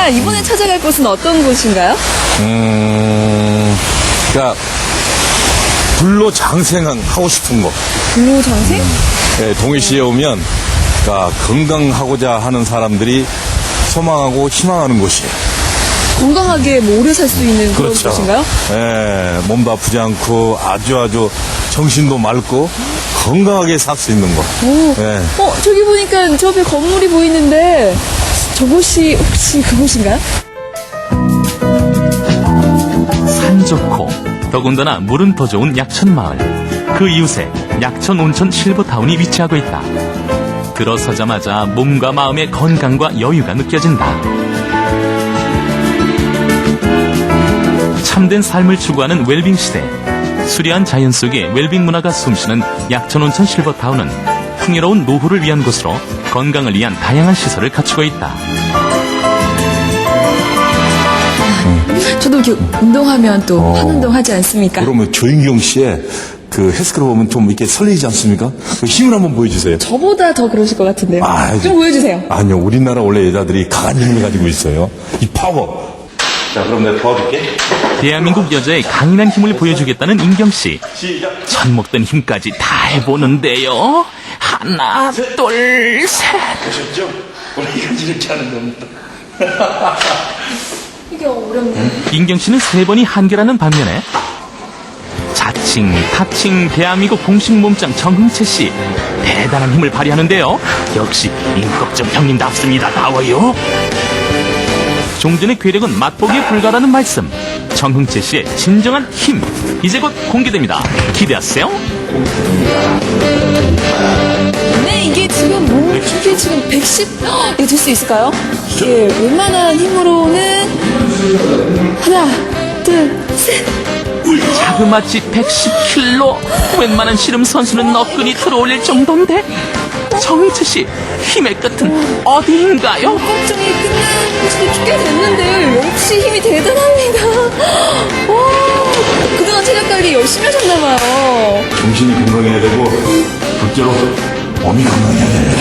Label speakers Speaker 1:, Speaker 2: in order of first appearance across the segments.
Speaker 1: 그렇습니까? 이번에 찾아갈 곳은 어떤 곳인가요?
Speaker 2: 그러니까 불로 장생하고 싶은 거.
Speaker 1: 불로 장생?
Speaker 2: 예, 동해시에 오면 그러니까 건강하고자 하는 사람들이 소망하고 희망하는 곳이에요.
Speaker 1: 건강하게 뭐 오래 살 수 있는 그런
Speaker 2: 그렇죠.
Speaker 1: 곳인가요?
Speaker 2: 예, 몸도 아프지 않고 아주 정신도 맑고 건강하게 살 수 있는 곳.
Speaker 1: 오.
Speaker 2: 예.
Speaker 1: 저기 보니까 저 앞에 건물이 보이는데 저곳이 혹시 그곳인가요?
Speaker 3: 산 좋고 더군다나 물은 더 좋은 약천마을. 그 이웃에 약천 온천 실버타운이 위치하고 있다. 들어서자마자 몸과 마음의 건강과 여유가 느껴진다. 참된 삶을 추구하는 웰빙 시대. 수려한 자연 속에 웰빙 문화가 숨쉬는 약천 온천 실버타운은 풍요로운 노후를 위한 곳으로 건강을 위한 다양한 시설을 갖추고 있다.
Speaker 1: 저도 이렇게 운동하면 또 한운동 하지 않습니까?
Speaker 2: 그러면 조인경 씨의 그 헬스클럽 보면 좀 이렇게 설레지 않습니까? 그 힘을 한번 보여주세요.
Speaker 1: 저보다 더 그러실 것 같은데요. 좀 보여주세요.
Speaker 2: 아니요, 우리나라 원래 여자들이 강한 힘을 가지고 있어요. 이 파워. 자, 그럼 내가 도와줄게.
Speaker 3: 대한민국 여자의 강인한 힘을 보여주겠다는 인경씨.
Speaker 2: 시작.
Speaker 3: 젖 먹던 힘까지 다 해보는데요. 하나, 둘, 셋.
Speaker 2: 보셨죠? 원래 이렇게 하는 겁니다.
Speaker 1: 이게 어렵네.
Speaker 3: 인경씨는 3번이 한계라는 반면에 자칭, 타칭, 대한민국 공식 몸짱 정흥채씨. 대단한 힘을 발휘하는데요. 역시 임꺽정 형님답습니다. 나와요. 종전의 괴력은 맛보기에 불과하다는 말씀. 정흥채씨의 진정한 힘. 이제 곧 공개됩니다. 기대하세요.
Speaker 1: 네, 이게 지금 이게 지금 110? 이거 될 수 있을까요? 이게 웬만한 힘으로는 하나, 둘, 셋.
Speaker 3: 자그마치 110kg. 웬만한 씨름 선수는 너끈히 들어올릴 정도인데 정희채씨 힘의 끝은 어디인가요?
Speaker 1: 걱정이 끝난 지도 꽤 됐는데 역시 힘이 대단합니다. 와, 그동안 체력 관리 열심히 하셨나봐요.
Speaker 2: 정신이 건강해야 되고, 둘째로 몸이 건강해야 돼요.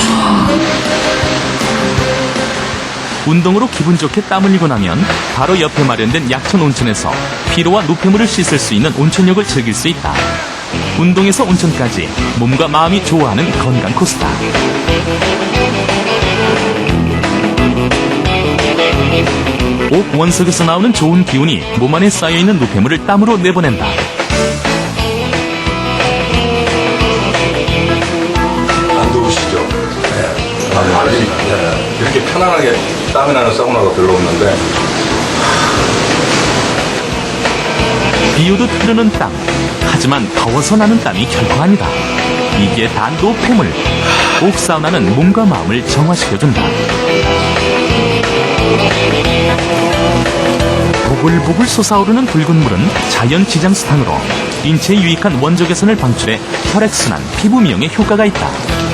Speaker 3: 운동으로 기분 좋게 땀 흘리고 나면 바로 옆에 마련된 약천 온천에서 피로와 노폐물을 씻을 수 있는 온천욕을 즐길 수 있다. 운동에서 온천까지 몸과 마음이 좋아하는 건강 코스다. 옥 원석에서 나오는 좋은 기운이 몸 안에 쌓여있는 노폐물을 땀으로 내보낸다.
Speaker 2: 안 더우시죠? 네. 아니, 이렇게 편안하게 땀이 나는 사우나가 별로 없는데.
Speaker 3: 비오듯 흐르는 땀. 하지만 더워서 나는 땀이 결코 아니다. 이게 다 노폐물. 옥사우나는 몸과 마음을 정화시켜준다. 보글보글 솟아오르는 붉은 물은 자연 지장수탕으로 인체에 유익한 원적 개선을 방출해 혈액순환, 피부 미용에 효과가 있다.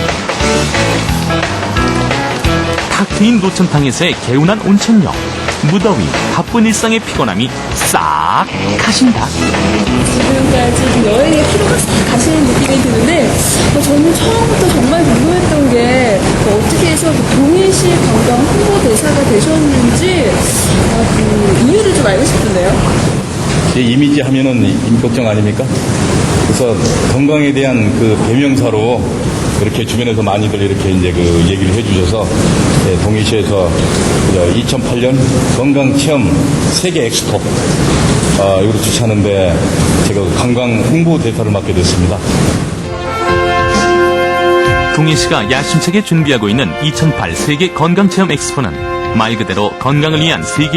Speaker 3: 탁 트인 노천탕에서의 개운한 온천욕. 무더위, 바쁜 일상의 피곤함이 싹 가신다.
Speaker 1: 지금까지 여행의 피로가 싹 가시는 느낌이 드는데 저는 처음부터 정말 궁금했던 게 어떻게 해서 동해시 관광 홍보대사가 되셨는지 그 이유를 좀 알고 싶은데요.
Speaker 2: 이미지 하면은 임꺽정 아닙니까? 그래서 건강에 대한 그 배명사로 이렇게 주변에서 많이들 이렇게 이제 그 얘기를 해주셔서 동해시에서 2008년 건강체험 세계 엑스포 이걸 주최하는데 제가 관광 홍보대사를 맡게 됐습니다.
Speaker 3: 동해시가 야심차게 준비하고 있는 2008 세계 건강체험 엑스포는 말 그대로 건강을 위한 세계